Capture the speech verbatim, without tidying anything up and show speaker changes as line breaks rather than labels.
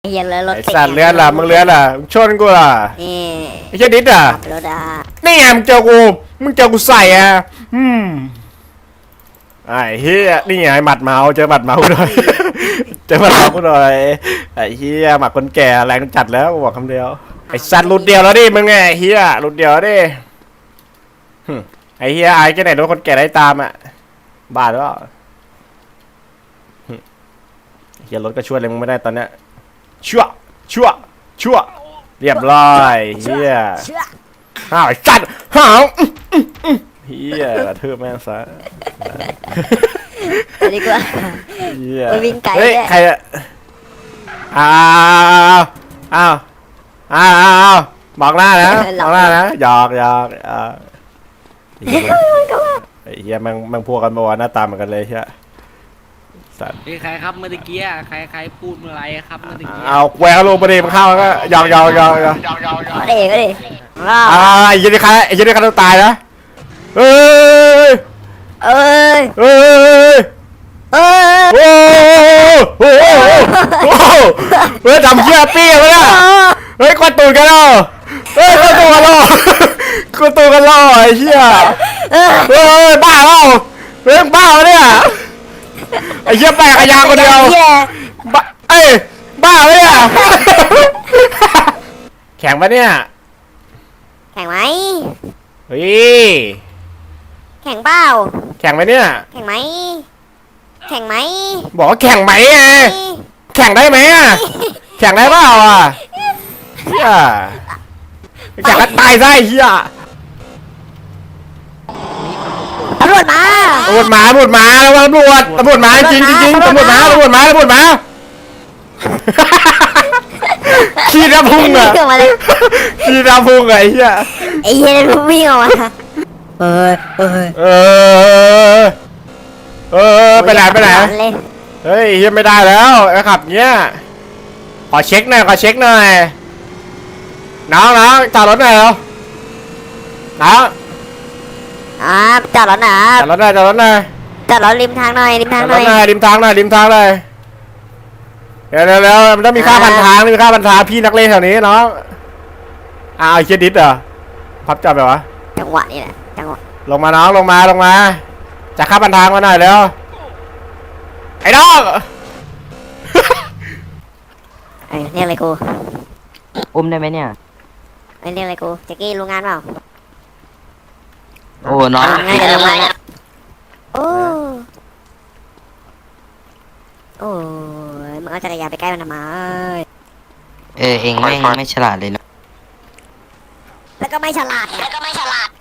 เฮียเลยรถ
ไอ้สัตว์เลื้อนล่ะมึงเลื้อนล่ะมึงชนกูล่ะ
นี่
ไอ้เจ้าดิดอ่ะ
ขับรถอ่ะ
นี่ไงมึงเจอกูมึงเจอกูใส่อ่ะอืมไอ้เฮียนี่ไงหมัดเมาเจอหมัดเมาหน่อย เจอหมัดเมากูหน่อยไอ้เฮียหมัดคนแก่แรงจัดแล้วกูบอกคำเดียวไอ้สัตว์หลุดเดียวแล้วดิมึงไงไอ้เฮียหลุดเดียวดิหึไอ้เฮียไอ้แค่ไหนโดนคนแก่ได้ตามอ่ะบาดวะเฮียรถก็ช่วยอะไรมึงไม่ได้ตอนเนี้ยชั่วชั่วชั่วเรียบร้อยเฮีย
เชื่อ
ห้าวไอ้สัตว์ห้าวเฮียกระทืบแม่งซะ
ไปดีกว่า
เฮีย
ไปวิ่งไกล
เฮ้ย
ด้วย
ใครอะอ้าวอ้าวอ้าวอ้าวอ้าวบอกหน้านะบอกหน้านะหยอกหยอกอ่าไอ้เฮียแม่งแม่งพวกกันมาว่าหน้าตาเหมือนกันเลยเฮียสัตว์
เฮ้ยใครครับเมื่อกี้อะใครใครพูดเมื่อไรครับเมื่อกี้
เอาแหวกลงประเดี๋ยวมันเข้าแล้วก็หยอกหยอกหยอกหยอก
ก็ดิก็ดิว้าว
อ่าไอ้เหี้ยันนี่ใครไอ้เหี้ยันนี่ใครต้องตายนะเอ้ย
เอ้ย
เอ้ย
เอ้ย
โอ้โหโอ้โหเฮ้ยทำเชี่ยปี้วะเนี่ยเฮ้ยกดตูดกันแล้วเฮ้ยกดตูดกันแล้วกดตูดกันแล้วไอ้เชี่ยเฮ้ยบ้าแล้วเฮ้ยบ้าวะเนี่ยไอ้เชี่ยแปลกขยางคนเดียว
เหี้ย
บ้าเอ้ยบ้าวะเนี่ยแข่งปะเนี่ย
แข่งไหม
เฮ้ย
แข่งเปล่า
แข่งไหมเนี่ย
แข่งไหมแข่งไหม
บอกว่าแข่งไหมไงแข่งได้ไหมอ่ะแข่งได้เปล่าอ่ะเฮียแข่งกันตายซะไอ้เฮีย
ตำรวจมา
ตำรวจมาตำรวจมาแล้วตำรวจตำรวจมาจริงจริงจริงตำรวจมาตำรวจมาตำรวจมาขี้น้ำพุ่งอ่ะ
วิ่งออกมาเลย
ขี้น้ำพุ่งอ่ะไอ้เฮีย
ไอ้เฮียนั่นวิ่งออกมาเอ้ยเอ้ย
เออเออไปไหนไปไหน
เลย
เฮ้ยเฮียไม่ได้แล้วไอ้ขับเนี้ยขอเช็คหน่อยขอเช็คหน่อยน้องน้องจอดรถหน่อยเหรอน้อง
อ่าจอดรถหน่อย
จอดรถหน่อยจอดรถหน่อย
จอดรถริมทางหน่อยริม
จ
ทา
อง ด
ห
ร
น่อ
ถ
ย
หน่อยริมทางหน่อยริมทางหน่อยเดี๋ยวเดี๋ยวเดี๋ยวมันต้องมีค่าพันทางมีค่าพันทางพี่นักเลงแถวนี้น้องอ้าวไอ้เคียดิสเหรอพับจับแบบวะ
จังหวะนี้แหละจังหวะ
ลงมาน้องลงมาลงมาจะค่าพันทางมาหน่อยเร็วไอ้น้อง
เอ้ยเรียกอะไรกู
อุ้มได้ไหมเนี่ย
เอ้ยเรียกอะไรกูแจ็กกี้รู้งานเปล่า
โอ้น้อง
ง่ายจะรู้งานแล้วโอ้โอ้ยมึงเอาจักรยานไปใกล้มันทำไม
เออเองไม่งไม่ฉลาดเลยนะ
แล้วก็ไม่ฉลาดแล้วก็ไม่ฉลาด